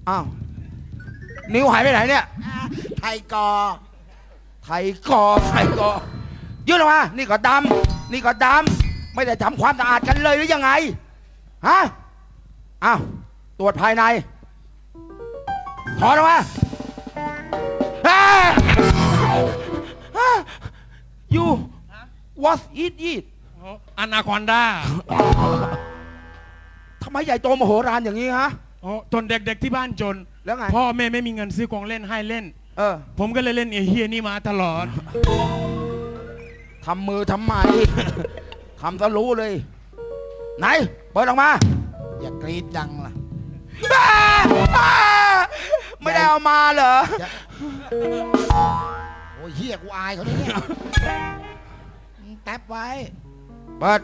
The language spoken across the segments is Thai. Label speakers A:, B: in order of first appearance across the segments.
A: อ้าวนิ้วหายไปไหนเนี่ย
B: ไทยกอ
A: ไทยกอยื่นออกมานี่ก็ดำนี่ก็ดำไม่ได้ทำความสะอาดกันเลยหรือยังไงฮะอ้าวตรวจภายในถอนออกมายู what is it
C: อนาคอนด้า
A: ทำไมใหญ่โตมโหฬารอย่างนี้ฮะ
C: จนเด็กๆที่บ้านจน
A: แล้วไง
C: พ่อแม่ไม่มีเงินซื้อของเล่นให้เล่น
A: เออ
C: ผมก็เลยเล่นไอ้เฮียนี่มาตลอด
A: ทำมือทำไม ทำซะรู้เลย ไหน เปิดออกมา
B: อย่ากรีดดังล่ะ
A: ไม่ได้เอามาเหรอ
B: โอ้ยเฮียกูอายเขาเนี่ยแท็บไว้
A: เปิด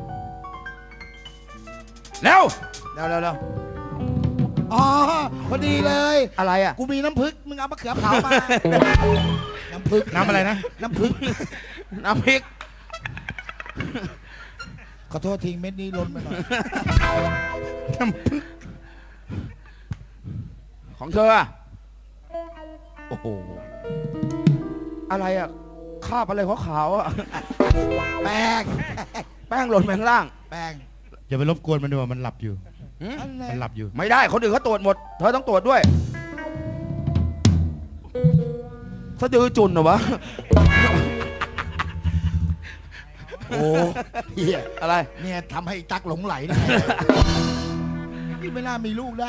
A: เร็ว
B: เร็วอ๋อพอดีเลย
A: อะไรอ่ะ
B: กูมีน้ำผึ้งมึงเอามะเขือเผามา น้ำผึ้ง
C: น้ำอะไรนะ
B: น้ำผึ้ง
A: น้ำพริก
B: ขอโทษทิ้งเม็ดนี้ล้นไปหน่อย
A: ของเธออะโอ้โห อะไรอ่ะคราบอะไรขาวๆอ่ะ
B: แป้ง
A: แป้งหล่นไปข้างล่าง
B: แป้ง
C: อย่าไปรบกวนมันด้วยมันหลับอยู่
A: หืม
C: มันหลับอยู่
A: ไม่ได้ คนอื่นเขาตรวจหมด เธอต้องตรวจด้วยสะดือจุนเหรอวะ
B: โอ้เฮีย
A: อะไร
B: เนี่ยทำให้ตักหลงไหลนะนี่ไม่น่ามีลูกได้